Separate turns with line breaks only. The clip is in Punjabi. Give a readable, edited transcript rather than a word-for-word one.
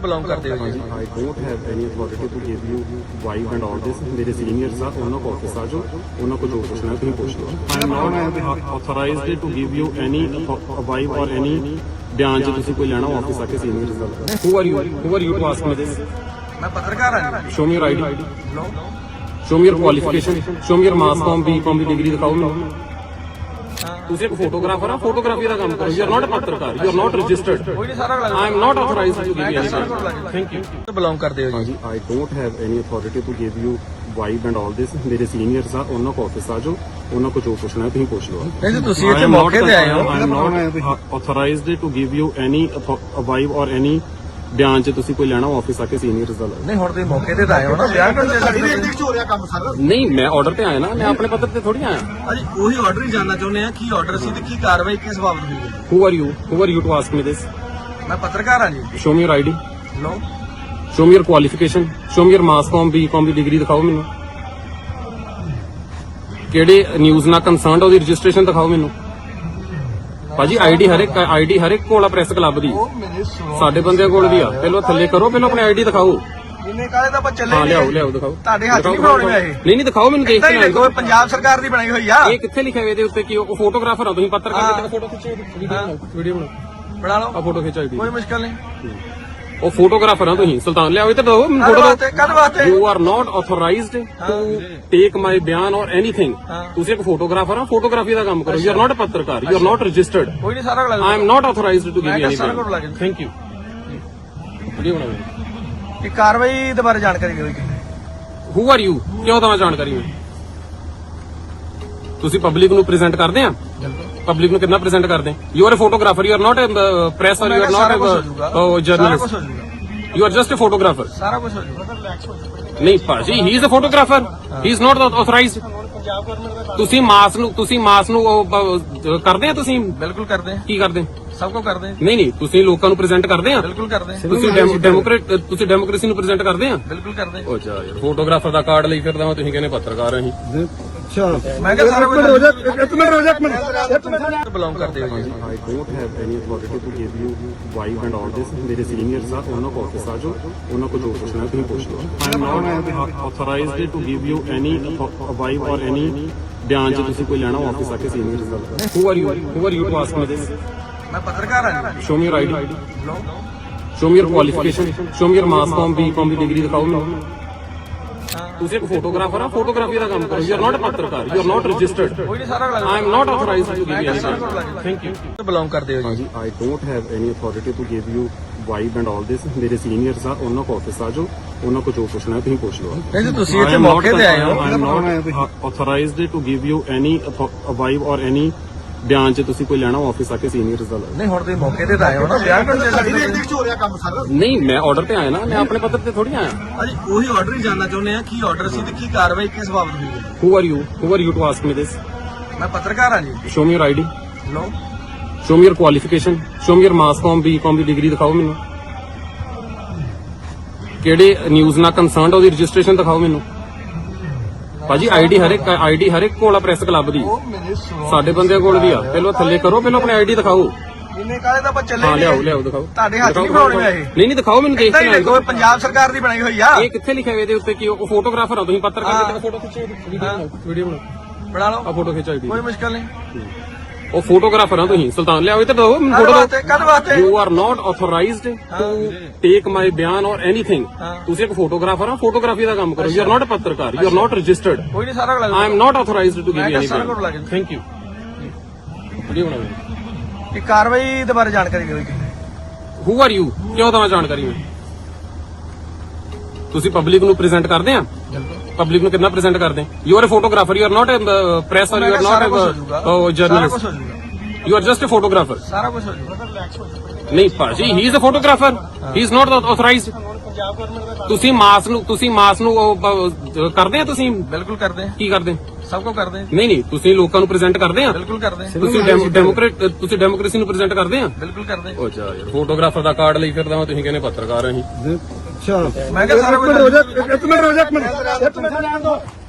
ਬਿਲੋਂਗ ਕਰਦੇ ਹੋ ਜੀ?
I don't have any authority to give you vibe and all this. ਮੇਰੇ ਸੀਨੀਅਰਸ ਆ, ਉਹਨਾਂ ਕੋਲ ਆਫਿਸ ਆ ਜਾਓ, ਉਹਨਾਂ ਕੋਲ ਜੋ ਪੁੱਛਣਾ ਤੁਸੀਂ ਪੁੱਛ ਲਓ। I am not authorized to give you any vibe or any ਬਿਆਨ ਜੇ ਤੁਸੀਂ ਕੋਈ ਲੈਣਾ ਆਫਿਸ ਆ ਕੇ ਸੀਨੀਅਰਸ ਦਾ। Who are you to ask me this?
ਮੈਂ ਪੱਤਰਕਾਰ ਹਾਂ ਜੀ।
Show me your ID. Show me your qualification. Show me your mass com, B.Com ਦੀ ਡਿਗਰੀ ਦਿਖਾਓ ਮੈਨੂੰ। ਤੁਸੀਂ ਇੱਕ ਫੋਟੋਗ੍ਰਾਫਰ ਆ, ਫੋਟੋਗ੍ਰਾਫੀ ਦਾ ਕੰਮ ਕਰੋ। ਯੂ ਆਰ ਨਾਟ ਅ ਪੱਤਰਕਾਰ, ਯੂ ਆਰ ਨਾਟ ਰਜਿਸਟਰਡ।
ਕੋਈ ਨਹੀਂ, ਸਾਰਾ ਲੱਗ
I am not authorized to give you any.
Thank you. Belong ਕਰਦੇ ਹੋ ਜੀ?
ਹਾਂਜੀ, I don't have any authority to give you vibe and all this. ਮੇਰੇ ਸੀਨੀਅਰਸ ਆ, ਉਹਨਾਂ ਕੋਲ ਆਫਿਸ ਆ ਜਾਓ, ਉਹਨਾਂ ਕੋਲ ਜੋ ਪੁੱਛਣਾ ਤੁਸੀਂ ਪੁੱਛ ਲਓ।
ਨਹੀਂ ਜੀ, ਤੁਸੀਂ ਇੱਥੇ ਮੌਕੇ ਤੇ ਆਏ ਹੋ।
I am not authorized to give you any vibe or any ਬਿਆਨ ਜੇ ਤੁਸੀਂ ਕੋਈ ਲੈਣਾ ਆਫਿਸ ਆ ਕੇ ਸੀਨੀਅਰਸ ਦਾ।
ਨਹੀਂ, ਹੁਣ ਤੁਸੀਂ ਮੌਕੇ ਤੇ ਆਏ ਹੋ ਨਾ, ਬਿਆਨ ਕਰਨ ਦੇ ਸਕਦੇ ਹੋ।
ਕੰਮ ਸਰ ਨਹੀਂ, ਮੈਂ ਆਰਡਰ ਤੇ ਆਇਆ ਨਾ, ਮੈਂ ਆਪਣੇ ਪੱਤਰ ਤੇ ਥੋੜੀ ਆਇਆ।
ਅਜੀ ਉਹੀ ਆਰਡਰ ਹੀ ਜਾਨਣਾ ਚਾਹੁੰਦੇ ਆ, ਕੀ ਆਰਡਰ ਸੀ ਤੇ ਕੀ ਕਾਰਵਾਈ ਕਿਸ ਬਾਬਤ ਹੋਈ ਹੈ?
Who are you to ask me this?
ਮੈਂ ਪੱਤਰਕਾਰ ਹਾਂ ਜੀ।
Show me your ID.
ਲੋ,
Show me your qualification. Show me your mass com, B.Com ਦੀ ਡਿਗਰੀ ਦਿਖਾਓ ਮੈਨੂੰ। ਕਿਹੜੇ ਨਿਊਜ਼ ਨਾਲ ਕੰਸਰਨਡ ਉਹਦੀ ਰਜਿਸਟ੍ਰੇਸ਼ਨ ਦਿਖਾਓ ਮੈਨੂੰ। ਭਾਜੀ ਆਈਡੀ ਹਰ ਇੱਕ ਕੋਲ ਆ ਪ੍ਰੈਸ ਕਲੱਬ ਦੀ, ਸਾਡੇ ਬੰਦਿਆਂ ਕੋਲ ਵੀ ਆ। ਪਹਿਲਾਂ ਥੱਲੇ ਕਰੋ, ਪਹਿਲਾਂ ਆਪਣੀ ਆਈਡੀ ਦਿਖਾਓ।
ਇਹਨੇ ਕਾਲੇ ਦਾ ਆਪਾਂ ਚੱਲੇ
ਹਾਂ, ਲਿਆਓ ਦਿਖਾਓ।
ਤੁਹਾਡੇ ਹੱਥ ਨਹੀਂ ਬਣਾਉਣੇ ਆ ਇਹ।
ਨਹੀਂ ਦਿਖਾਓ ਮੈਨੂੰ, ਦੇਖ ਕੇ
ਦੇਖੋ, ਪੰਜਾਬ ਸਰਕਾਰ ਦੀ ਬਣਾਈ ਹੋਈ ਆ।
ਇਹ ਕਿੱਥੇ ਲਿਖਿਆ ਹੋਇਆ ਇਹਦੇ ਉੱਤੇ ਕਿ ਉਹ ਫੋਟੋਗ੍ਰਾਫਰ ਆ ਤੁਸੀਂ? ਪੱਤਰਕਾਰ ਦੀ ਫੋਟੋ ਖਿੱਚੋ, ਵੀਡੀਓ
ਬਣਾ ਲਓ,
ਆ ਫੋਟੋ ਖਿੱਚ ਆਈਡੀ।
ਕੋਈ ਮੁਸ਼ਕਲ ਨਹੀਂ।
ਉਹ ਫੋਟੋਗ੍ਰਾਫਰ ਆ ਤੁਸੀਂ? ਸੁਲਤਾਨ ਲਿਆਓ ਇੱਧਰ, ਦਿਓ ਮੈਨੂੰ ਫੋਟੋ।
ਕਦ ਵਾਸਤੇ?
You are not authorized to take my ਬਿਆਨ ਔਰ ਐਨੀਥਿੰਗ। ਤੁਸੀਂ ਇੱਕ ਫੋਟੋਗ੍ਰਾਫਰ ਆ, ਫੋਟੋਗ੍ਰਾਫੀ ਦਾ ਕੰਮ ਕਰੋ। ਯੂ ਆਰ ਨਾਟ ਅ ਪੱਤਰਕਾਰ, ਯੂ ਆਰ ਨਾਟ ਰਜਿਸਟਰਡ।
ਕੋਈ ਨਹੀਂ, ਸਾਰਾ ਲੱਗ
I am not authorized to give you any.
ਬਿਆਨ।
Thank you. ਵੀਡੀਓ ਬਣਾਓ।
ਇਹ ਕਾਰਵਾਈ ਦੇ ਬਾਰੇ ਜਾਣਕਾਰੀ ਦਿਓ ਜੀ।
Who are you? ਕਿਉਂ ਦਵਾਂ ਜਾਣਕਾਰੀ ਮੈਂ? ਤੁਸੀਂ ਪਬਲਿਕ ਨੂੰ ਪ੍ਰੈਜ਼ੈਂਟ ਕਰਦੇ ਆ? ਪਬਲਿਕ ਨੂੰ ਕਿੰਨਾ ਪ੍ਰੈਜ਼ੈਂਟ ਕਰਦੇ? You are a photographer, you are not a press or you are not a journalist, you are just a photographer.
ਸਾਰਾ ਕੁਝ ਹੋ ਜਾਊਗਾ।
ਨਹੀਂ ਭਾਜੀ, he is a photographer, he is not authorized. ਤੁਸੀਂ ਮਾਸ ਨੂੰ ਕਰਦੇ ਆ? ਤੁਸੀਂ
ਬਿਲਕੁਲ ਕਰਦੇ ਆ।
ਕੀ ਕਰਦੇ?
ਸਭ ਕੁਝ ਕਰਦੇ ਆ।
ਨਹੀਂ, ਤੁਸੀਂ ਲੋਕਾਂ ਨੂੰ ਪ੍ਰੈਜ਼ੈਂਟ ਕਰਦੇ ਆ?
ਬਿਲਕੁਲ ਕਰਦੇ ਆ।
ਤੁਸੀਂ ਡੈਮੋਕ੍ਰੇਸੀ ਨੂੰ ਪ੍ਰੈਜ਼ੈਂਟ ਕਰਦੇ ਆ?
ਬਿਲਕੁਲ ਕਰਦੇ ਆ।
ਉਹ ਜਾ ਯਾਰ, ਫੋਟੋਗ੍ਰਾਫਰ ਦਾ ਕਾਰਡ ਲਈ ਫਿਰਦਾ ਹਾਂ, ਤੁਸੀਂ ਕਹਿੰਦੇ ਪੱਤਰਕਾਰ ਅਸੀਂ।
ਮੈਂ ਕਿਹਾ ਸਾਰਾ ਕੁਝ ਇੱਕ ਮਿੰਟ ਬਿਲੋਂਗ ਕਰਦੇ ਹੋ ਜੀ?
I don't have any authority to give you vibe and all this. ਮੇਰੇ ਸੀਨੀਅਰਸ ਆ, ਉਹਨਾਂ ਕੋਲ ਆਫਿਸ ਆ ਜਾਓ, ਉਹਨਾਂ ਕੋਲ ਜੋ ਪੁੱਛਣਾ ਤੁਸੀਂ ਪੁੱਛ ਲਓ। I am not authorized to give you any vibe or any ਬਿਆਨ ਜੇ ਤੁਸੀਂ ਕੋਈ ਲੈਣਾ ਆਫਿਸ ਆ ਕੇ ਸੀਨੀਅਰਸ ਦਾ। Who are you to ask me this?
ਮੈਂ ਪੱਤਰਕਾਰ ਹਾਂ ਜੀ।
Show me your ID.
ਲੋ,
Show me your qualification. Show me your mass com, B.Com ਦੀ ਡਿਗਰੀ ਦਿਖਾਓ ਮੈਨੂੰ। ਤੁਸੀਂ ਇੱਕ ਫੋਟੋਗ੍ਰਾਫਰ ਆ, ਫੋਟੋਗ੍ਰਾਫੀ ਦਾ ਕੰਮ ਕਰੋ। ਯੂ ਆਰ ਨਾਟ ਅ ਪੱਤਰਕਾਰ, ਯੂ ਆਰ ਨਾਟ ਰਜਿਸਟਰਡ।
ਕੋਈ ਨਹੀਂ, ਸਾਰਾ ਲੱਗ
I am not authorized to give you any. Thank you.
Belong ਕਰਦੇ ਹੋ ਜੀ?
ਹਾਂਜੀ, I don't have any authority to give you vibe and all this. ਮੇਰੇ ਸੀਨੀਅਰਸ ਆ, ਉਹਨਾਂ ਕੋਲ ਆਫਿਸ ਆ ਜਾਓ, ਉਹਨਾਂ ਕੋਲ ਜੋ ਪੁੱਛਣਾ ਤੁਸੀਂ ਪੁੱਛ ਲਓ।
ਨਹੀਂ ਜੀ, ਤੁਸੀਂ ਇੱਥੇ ਮੌਕੇ ਤੇ ਆਏ ਹੋ।
I am not authorized to give you any vibe or any ਬਿਆਨ ਜੇ ਤੁਸੀਂ ਕੋਈ ਲੈਣਾ ਆਫਿਸ ਆ ਕੇ ਸੀਨੀਅਰਸ ਦਾ।
ਨਹੀਂ, ਹੁਣ ਤੁਸੀਂ ਮੌਕੇ ਤੇ ਆਏ ਹੋ ਨਾ, ਬਿਆਨ ਕਰਨ ਦੇ ਸਕਦੇ ਹੋ।
ਨਹੀਂ, ਮੈਂ ਆਰਡਰ ਤੇ ਆਇਆ ਨਾ, ਮੈਂ ਆਪਣੇ ਪੱਤਰ ਤੇ ਥੋੜੀ ਆਇਆ।
ਅਜੀ ਉਹੀ ਆਰਡਰ ਹੀ ਜਾਨਣਾ ਚਾਹੁੰਦੇ ਆ, ਕੀ ਆਰਡਰ ਸੀ ਤੇ ਕੀ ਕਾਰਵਾਈ ਕਿਸ ਬਾਬਤ ਹੋਈ ਹੈ?
Who are you to ask me this?
ਮੈਂ ਪੱਤਰਕਾਰ ਹਾਂ ਜੀ।
Show me your ID.
ਲੋ,
Show me your qualification. Show me your mass com, B.Com ਦੀ ਡਿਗਰੀ ਦਿਖਾਓ ਮੈਨੂੰ। ਕਿਹੜੇ ਨਿਊਜ਼ ਨਾਲ ਕੰਸਰਨਡ ਉਹਦੀ ਰਜਿਸਟ੍ਰੇਸ਼ਨ ਦਿਖਾਓ ਮੈਨੂੰ। ਭਾਜੀ ਆਈਡੀ ਹਰ ਇੱਕ ਕੋਲ ਆ ਪ੍ਰੈਸ ਕਲੱਬ ਦੀ, ਸਾਡੇ ਬੰਦਿਆਂ ਕੋਲ ਵੀ ਆ। ਪਹਿਲਾਂ ਥੱਲੇ ਕਰੋ, ਪਹਿਲਾਂ ਆਪਣੀ ਆਈਡੀ ਦਿਖਾਓ।
ਇਹਨੇ ਕਾਲੇ ਦਾ ਆਪਾਂ ਚੱਲੇ
ਹਾਂ, ਲਿਆਓ ਦਿਖਾਓ।
ਤੁਹਾਡੇ ਹੱਥ ਨਹੀਂ ਬਣਾਉਣੇ ਆ ਇਹ।
ਨਹੀਂ ਦਿਖਾਓ ਮੈਨੂੰ, ਦੇਖ ਕੇ
ਦੇਖੋ, ਪੰਜਾਬ ਸਰਕਾਰ ਦੀ ਬਣਾਈ ਹੋਈ ਆ।
ਇਹ ਕਿੱਥੇ ਲਿਖਿਆ ਹੋਇਆ ਇਹਦੇ ਉੱਤੇ ਕਿ ਉਹ ਫੋਟੋਗ੍ਰਾਫਰ ਆ ਤੁਸੀਂ? ਪੱਤਰਕਾਰ ਦੀ ਫੋਟੋ ਖਿੱਚੋ, ਵੀਡੀਓ
ਬਣਾ ਲਓ,
ਆ ਫੋਟੋ ਖਿੱਚ ਆਈਡੀ।
ਕੋਈ ਮੁਸ਼ਕਲ ਨਹੀਂ।
ਉਹ ਫੋਟੋਗ੍ਰਾਫਰ ਆ ਤੁਸੀਂ? ਸੁਲਤਾਨ ਲਿਆਓ ਇੱਧਰ, ਦਿਓ ਮੈਨੂੰ ਫੋਟੋ।
ਕਦ ਵਾਸਤੇ?
You are not authorized to take my ਬਿਆਨ ਔਰ ਐਨੀਥਿੰਗ। ਤੁਸੀਂ ਇੱਕ ਫੋਟੋਗ੍ਰਾਫਰ ਆ, ਫੋਟੋਗ੍ਰਾਫੀ ਦਾ ਕੰਮ ਕਰੋ। ਯੂ ਆਰ ਨਾਟ ਅ ਪੱਤਰਕਾਰ, ਯੂ ਆਰ ਨਾਟ ਰਜਿਸਟਰਡ।
ਕੋਈ ਨਹੀਂ, ਸਾਰਾ ਲੱਗ
I am not authorized to give you any.
ਸਾਰਾ ਕੁਝ ਲੱਗ
Thank you. ਵੀਡੀਓ ਬਣਾਓ।
ਇਹ ਕਾਰਵਾਈ ਦੇ ਬਾਰੇ ਜਾਣਕਾਰੀ ਦਿਓ ਜੀ।
Who are you? ਕਿਉਂ ਦਵਾਂ ਜਾਣਕਾਰੀ ਮੈਂ? ਤੁਸੀਂ ਪਬਲਿਕ ਨੂੰ ਪ੍ਰੈਜ਼ੈਂਟ ਕਰਦੇ ਆ? ਪਬਲਿਕ ਨੂੰ ਕਿੰਨਾ ਪ੍ਰੈਜ਼ੈਂਟ ਕਰਦੇ? You are a photographer, you are not a press or you are not a journalist, you are just a photographer.
ਸਾਰਾ ਕੁਝ ਹੋ ਜਾਊਗਾ।
ਨਹੀਂ ਭਾਜੀ, he is a photographer, he is not authorized. ਤੁਸੀਂ ਮਾਸ ਨੂੰ ਕਰਦੇ ਆ? ਤੁਸੀਂ
ਬਿਲਕੁਲ ਕਰਦੇ ਆ।
ਕੀ ਕਰਦੇ?
ਸਭ ਕੁਝ ਕਰਦੇ ਆ।
ਨਹੀਂ, ਤੁਸੀਂ ਲੋਕਾਂ ਨੂੰ ਪ੍ਰੈਜ਼ੈਂਟ ਕਰਦੇ ਆ?
ਬਿਲਕੁਲ ਕਰਦੇ ਆ।
ਤੁਸੀਂ ਡੈਮੋਕ੍ਰੇਸੀ ਨੂੰ ਪ੍ਰੈਜ਼ੈਂਟ ਕਰਦੇ ਆ?
ਬਿਲਕੁਲ ਕਰਦੇ ਆ।
ਉਹ ਜਾ ਯਾਰ, ਫੋਟੋਗ੍ਰਾਫਰ ਦਾ ਕਾਰਡ ਲਈ ਫਿਰਦਾ ਹਾਂ, ਤੁਸੀਂ ਕਹਿੰਦੇ ਪੱਤਰਕਾਰ ਅਸੀਂ।
ਮੈਂ ਕਿਹਾ ਸਾਰਾ ਕੁਝ ਇੱਕ ਮਿੰਟ